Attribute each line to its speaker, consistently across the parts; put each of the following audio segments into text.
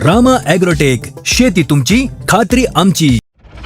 Speaker 1: Rama agrotech, शेती तुमची, खात्री आमची.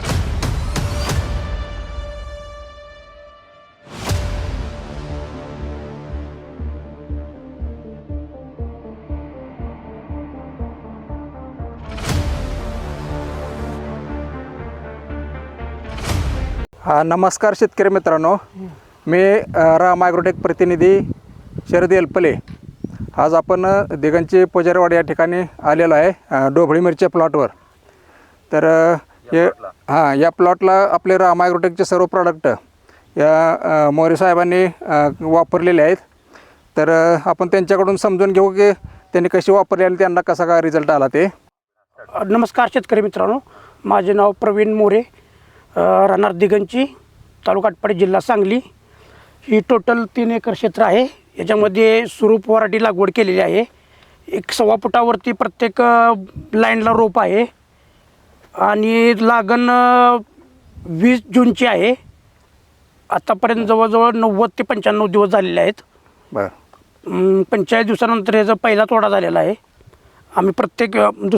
Speaker 2: नमस्कार शेतकरी मित्रांनो, मी रामा ॲग्रोटेक प्रतिनिधी शरद एलपले. आज आपण दिगंची पुजारीवाडी या ठिकाणी आलेलो आहे डोबळी मिरच्या प्लॉटवर. तर या प्लॉटला आपले रामा ॲग्रोटेकचे सर्व प्रॉडक्ट या मोरे साहेबांनी वापरलेले आहेत. तर आपण त्यांच्याकडून समजून घेऊ की त्यांनी कशी वापरली आणि त्यांना कसा काय रिझल्ट आला ते.
Speaker 3: नमस्कार शेतकरी मित्रांनो, माझे नाव प्रवीण मोरे, राहणार दिगंची, तालुका आटपाडी, जिल्हा सांगली. ही टोटल 3 एकर क्षेत्र आहे. याच्यामध्ये सुरूप वराठी लागवड केलेली आहे. 1.25 फुटावरती प्रत्येक लाईनला रोप आहे आणि लागण 20 जूनची आहे. आतापर्यंत जवळजवळ 90 ते 95 दिवस झालेले आहेत.
Speaker 2: बरं.
Speaker 3: 45 दिवसानंतर याचा पहिला तोडा झालेला आहे. आम्ही प्रत्येक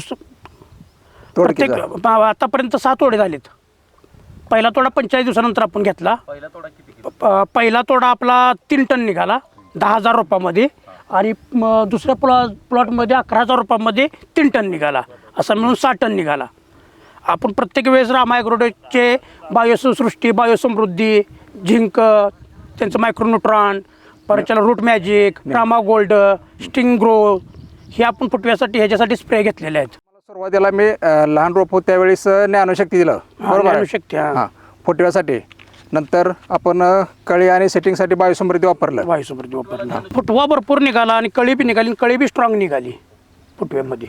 Speaker 3: आतापर्यंत 6 तोडे झालेत. पहिला तोडा 45 दिवसानंतर आपण घेतला. पहिला तोडा आपला 3 टन निघाला 10,000 रुपयामध्ये आणि दुसऱ्या प्लॉटमध्ये 11,000 रुपयामध्ये 3 टन निघाला. असा मिळून 6 टन निघाला. आपण प्रत्येक वेळेस रामा ॲग्रोटेकचे बायोसृष्टी, बायोसमृद्धी, झिंक, त्यांचं मायक्रोन्यूट्रॉन, परत त्याला root magic, Rama gold, sting grow हे आपण फुटव्यासाठी ह्याच्यासाठी स्प्रे घेतलेले आहेत.
Speaker 2: सुरुवातीला मी लहान रोप होत त्यावेळेस ज्ञानशक्ती दिलं, बरोबर.
Speaker 3: ज्ञानशक्ती
Speaker 2: फुटव्यासाठी. नंतर आपण कळी आणि सेटिंगसाठी बायोसमृद्धी वापरलं.
Speaker 3: फुटवा भरपूर निघाला आणि कळी बी निघाली. कळी बी स्ट्रॉंग निघाली फुटव्यामध्ये.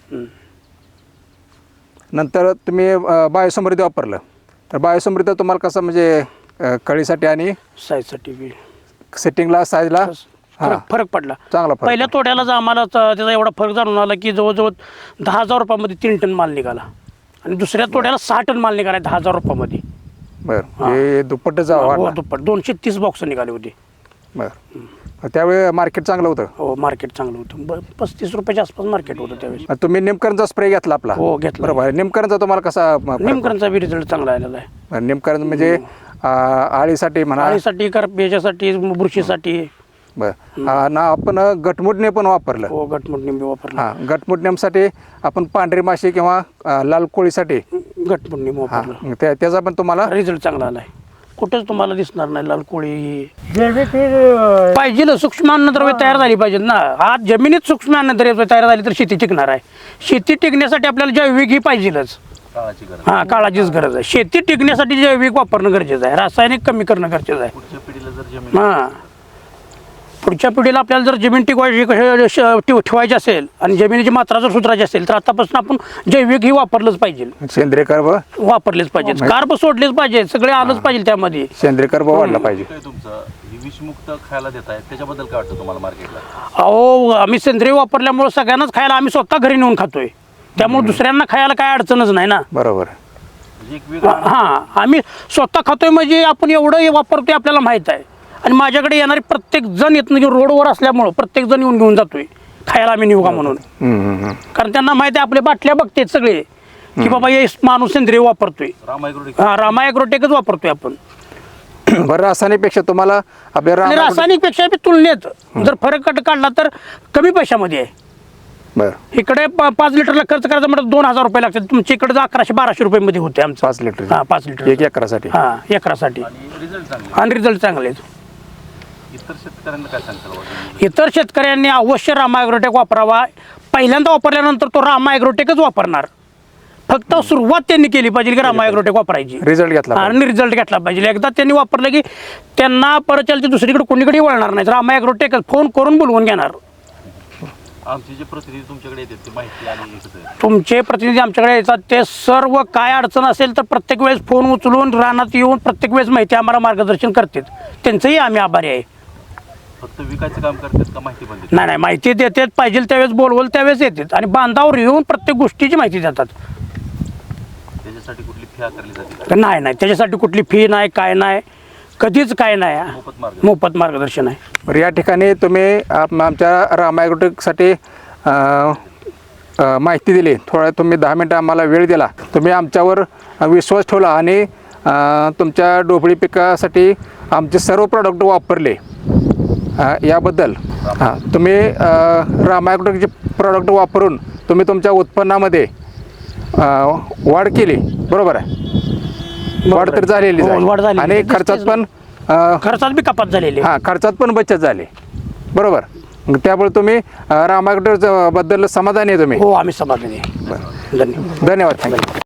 Speaker 2: नंतर तुम्ही बायोसमृद्धी वापरलं. तर बायोसमृद्धी तुम्हाला कसं म्हणजे कळीसाठी आणि
Speaker 3: साईजसाठी बी
Speaker 2: सेटिंगला, साईजला
Speaker 3: फरक पडला.
Speaker 2: चांगला फरक.
Speaker 3: पहिल्या तोड्यालाच आम्हाला त्याचा एवढा फरक जाणून आला की जवळजवळ 10,000 रुपयामध्ये 3 टन माल निघाला आणि दुसऱ्या तोड्याला 6 टन माल निघाला 10,000 रुपयामध्ये.
Speaker 2: बरं. हे दुप्पटच
Speaker 3: दुप्पट 230 बॉक्स निघाले होते.
Speaker 2: बरं. त्यावेळी मार्केट चांगलं होतं.
Speaker 3: हो, मार्केट चांगलं होतं. 35 रुपयाच्या आसपास मार्केट होतं त्यावेळेस.
Speaker 2: तुम्ही निमकरणचा स्प्रे घेतला आपला.
Speaker 3: हो, घेतला.
Speaker 2: बरोबर. निमकरणचा तुम्हाला कसा?
Speaker 3: निमकरणचा बी रिझल्ट चांगला आलेला आहे.
Speaker 2: निमकरण म्हणजे आळीसाठी म्हणा,
Speaker 3: आळीसाठी, याच्यासाठी, बुरशीसाठी.
Speaker 2: बरं. ना आपण गटमुटणे पण वापरलं.
Speaker 3: हो, गटमुटणे बी वापरलं.
Speaker 2: हां, गटमुटण्यासाठी आपण पांढरी माशी किंवा लाल कोळीसाठी
Speaker 3: गटमुटणे वापरलं.
Speaker 2: त्याचा पण तुम्हाला
Speaker 3: रिझल्ट चांगला आलाय. कुठेच तुम्हाला दिसणार नाही लाल कोळी. पाहिजे सूक्ष्म अन्नद्रव्य तयार झाली पाहिजे ना. आज जमिनीत सूक्ष्म अन्नद्रव्य तयार झाली तर शेती टिकणार आहे. शेती टिकण्यासाठी आपल्याला जैविक ही पाहिजेलच. काळाचीच गरज आहे. शेती टिकण्यासाठी जैविक वापरणं गरजेचं आहे. रासायनिक कमी करणं गरजेचं आहे. पुढच्या पिढीला आपल्याला जर जमीन ठेवायची असेल आणि जमिनीची मात्रा जर सुधारायची असेल तर आतापासून आपण जैविक ही वापरलंच पाहिजे.
Speaker 2: सेंद्रिय कर्ब
Speaker 3: वापरलेच पाहिजे. कार्ब सोडलेच पाहिजे. सगळे आलंच पाहिजे त्यामध्ये.
Speaker 2: सेंद्रिय कर्ब वाढला पाहिजे.
Speaker 4: विषमुक्त खायला देत आहे त्याच्याबद्दल काय वाटतं तुम्हाला मार्केटला?
Speaker 3: अहो, आम्ही सेंद्रिय वापरल्यामुळे सगळ्यांनाच खायला आम्ही स्वतः घरी नेऊन खातोय. त्यामुळे दुसऱ्यांना खायला काय अडचणच नाही ना.
Speaker 2: बरोबर.
Speaker 3: आम्ही स्वतः खातोय म्हणजे आपण एवढं वापरतोय आपल्याला माहित आहे. आणि माझ्याकडे येणारे प्रत्येक जण येत नाही, रोडवर असल्यामुळं प्रत्येक जण येऊन घेऊन जातोय खायला आम्ही नेऊ का म्हणून. कारण त्यांना माहिती आहे, आपल्या बाटल्या बघतेत सगळे की बाबा हे माणूस सेंद्रिय वापरतोय. रामा ॲग्रोटेकच वापरतोय आपण.
Speaker 2: बरं. रासायनिकपेक्षा तुम्हाला आपल्या
Speaker 3: रासायनिकपेक्षा तुलनेत जर फरक काढला तर कमी पैशामध्ये आहे.
Speaker 2: बरं.
Speaker 3: इकडे 5 लिटरला खर्च करायचा म्हटलं 2,000 रुपये लागतात. तुमच्या इकडे 1100-1200 रुपये होते आमचं.
Speaker 2: 5 लिटर.
Speaker 3: 5 लिटर
Speaker 2: 1 एकरासाठी.
Speaker 3: एकरासाठी. आणि रिझल्ट चांगले आहेत.
Speaker 4: इतर शेतकऱ्यांना काय सांगता?
Speaker 3: इतर शेतकऱ्यांनी अवश्य रामा ॲग्रोटेक वापरावा. पहिल्यांदा वापरल्यानंतर तो रामा ॲग्रोटेकच वापरणार. फक्त सुरुवात त्यांनी केली पाहिजे की रामा ॲग्रोटेक वापरायची.
Speaker 2: रिझल्ट घेतला
Speaker 3: आणि रिझल्ट घेतला पाहिजे. एकदा त्यांनी वापरलं की त्यांना परत चालते दुसरीकडे कोणीकडे वळणार नाही. रामा ॲग्रोटेकच फोन करून बोलवून घेणार.
Speaker 4: आमचे जे प्रतिनिधी तुमच्याकडे येतात ते माहिती आणि
Speaker 3: तुमचे प्रतिनिधी आमच्याकडे येतात ते सर्व काय अडचण असेल तर प्रत्येक वेळेस फोन उचलून रानात येऊन प्रत्येक वेळेस माहिती आम्हाला मार्गदर्शन करतात. त्यांचंही आम्ही आभारी आहे.
Speaker 4: फक्त विकायचं काम करतात का माहिती पण देतात?
Speaker 3: नाही, माहिती देतात. पाहिजे त्यावेळेस बोलवल त्यावेळेस येतात आणि बांधावर येऊन प्रत्येक गोष्टीची माहिती देतात.
Speaker 4: त्याच्यासाठी कुठली फी आकारली जाते?
Speaker 3: नाही, त्याच्यासाठी कुठली फी नाही, काय नाही, कधीच काय नाही. मोफत मार्गदर्शन आहे.
Speaker 2: या ठिकाणी तुम्ही आमच्या रामा ॲग्रोटेकसाठी माहिती दिली, थोडा तुम्ही 10 मिनटं आम्हाला वेळ दिला, तुम्ही आमच्यावर विश्वास ठेवला आणि तुमच्या ढोबळी पिकासाठी आमचे सर्व प्रॉडक्ट वापरले, याबद्दल तुम्ही रामायग्रोटेकचे प्रॉडक्ट वापरून तुम्ही तुमच्या उत्पन्नामध्ये वाढ केली, बरोबर आहे? वाढ तर झालेली
Speaker 3: हो, वाढ झालेली.
Speaker 2: आणि खर्चात पण
Speaker 3: खर्चात बी कपात झालेली आहे.
Speaker 2: खर्चात पण बचत झाली, बरोबर. मग त्यामुळे तुम्ही रामायग्रोटेक बद्दल समाधानी आहे तुम्ही?
Speaker 3: हो, आम्ही समाधानी आहे. धन्यवाद.
Speaker 2: धन्यवाद, थँक्यू.